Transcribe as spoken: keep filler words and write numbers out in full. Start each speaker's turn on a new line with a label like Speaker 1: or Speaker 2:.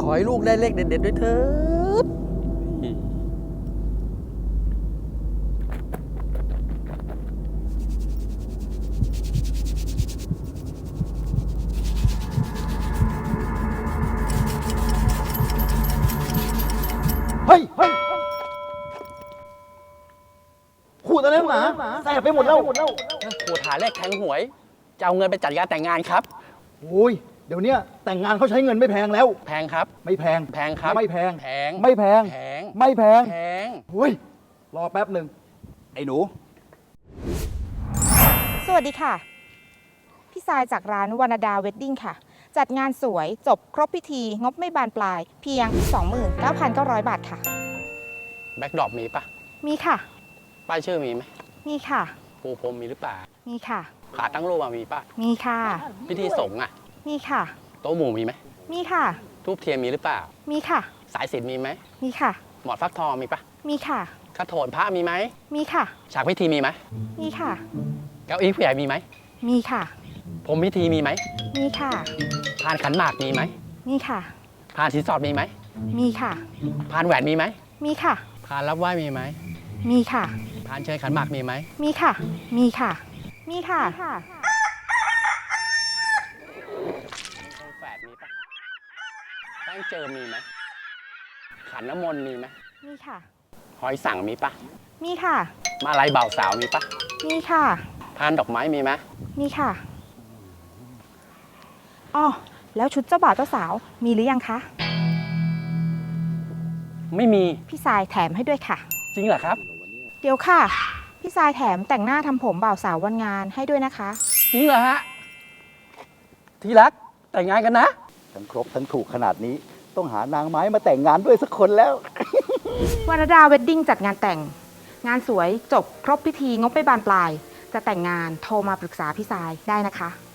Speaker 1: อให้ลูกได้เลขเด็ดๆด้วยเถิด
Speaker 2: เฮ้ยเฮ้ยขูดอะไรหนาแสบไปหมดแล้ว
Speaker 1: ขูดหาเลขแทงหวย จะเอาเงินไปจัดงานแต่งงานครับ
Speaker 2: โอ้ยเดี๋ยวนี้แต่งงานเขาใช้เงินไม่แพงแล้ว
Speaker 1: แพงครับ
Speaker 2: ไม่แพง
Speaker 1: แพงครับ
Speaker 2: ไม่แพง
Speaker 1: แพง
Speaker 2: ไม่แพง
Speaker 1: แพง
Speaker 2: ไม่แพง
Speaker 1: แพง
Speaker 2: เฮ้ยรอแป๊บหนึ่งไอ้หนู
Speaker 3: สวัสดีค่ะ พี่ทรายจากร้านวรรณดาเวดดิ้งค่ะ จัดงานสวยจบครบพิธี งบไม่บานปลาย เพียง สองหมื่นเก้าพันเก้าร้อย บาทค่ะ
Speaker 1: แบ็คดรอปมีปะ
Speaker 3: มีค่ะ
Speaker 1: ป้ายชื่อมีไหม
Speaker 3: มีค่ะ
Speaker 1: ปูพรมมีหรือเปล่า
Speaker 3: มีค่ะ
Speaker 1: ขาตั้งรูปมามีปะ
Speaker 3: มีค่ะ
Speaker 1: พิธีสงฆ์อ่ะ
Speaker 3: มีค่ะ
Speaker 1: โต๊ะหมู่มีไหม
Speaker 3: มีค่ะ
Speaker 1: ทูบเทียนมีหรือเปล่า
Speaker 3: มีค่ะ
Speaker 1: สายสิญจน์มีไหม
Speaker 3: มีค่ะ
Speaker 1: หมอนฟักทองมีปะ
Speaker 3: มีค่ะ
Speaker 1: กระโถนพระมีไหม
Speaker 3: มีค่ะ
Speaker 1: ฉากพิธีมีไหม
Speaker 3: มีค่ะ
Speaker 1: เก้าอี้ผู้ใหญ่มีไหม
Speaker 3: มีค่ะ
Speaker 1: พรมพิธีมีไหม
Speaker 3: มีค่ะ
Speaker 1: พานขันหมากมีไหม
Speaker 3: มีค่ะ
Speaker 1: พานสินสอดมีไหม
Speaker 3: มีค่ะ
Speaker 1: พานแหวนมีไหม
Speaker 3: มีค่ะ
Speaker 1: พานรับไหว้มีไหม
Speaker 3: มีค่ะ
Speaker 1: พานเชิญขันหมากมีไหม
Speaker 3: มีค่ะ มีค่ะ มีค่ะ
Speaker 1: แฝดมีปะแป้งเจิมมีไหม ขันน้ำมนต์มีไหม
Speaker 3: มีค่ะ
Speaker 1: หอยสั่งมีปะ
Speaker 3: มีค่ะ
Speaker 1: มาลัยบ่าวสาวมีปะ
Speaker 3: มีค่ะ
Speaker 1: พานดอกไม้มีไหม
Speaker 3: มีค่ะอ๋อแล้วชุดเจ้าบ่าวเจ้าสาวมีหรือยังคะ
Speaker 1: ไม่มี
Speaker 3: พี่ทรายแถมให้ด้วยค่ะ
Speaker 1: จริงเหรอครับ
Speaker 3: เดี๋ยวค่ะ พี่ทรายแถมแต่งหน้าทำผมบ่าวสาววันงานให้ด้วยนะคะ
Speaker 1: จริงเหรอฮะ ที่รักแต่งงานกันนะ
Speaker 2: ทั้งครบทั้งถูกขนาดนี้ ต้องหานางไม้มาแต่งงานด้วยสักคนแล้ว
Speaker 3: วรรณดาเวดดิ้งจัดงานแต่ง งานสวยจบครบพิธีงบไม่บานปลาย จะแต่งงานโทรมาปรึกษาพี่ทรายได้นะคะ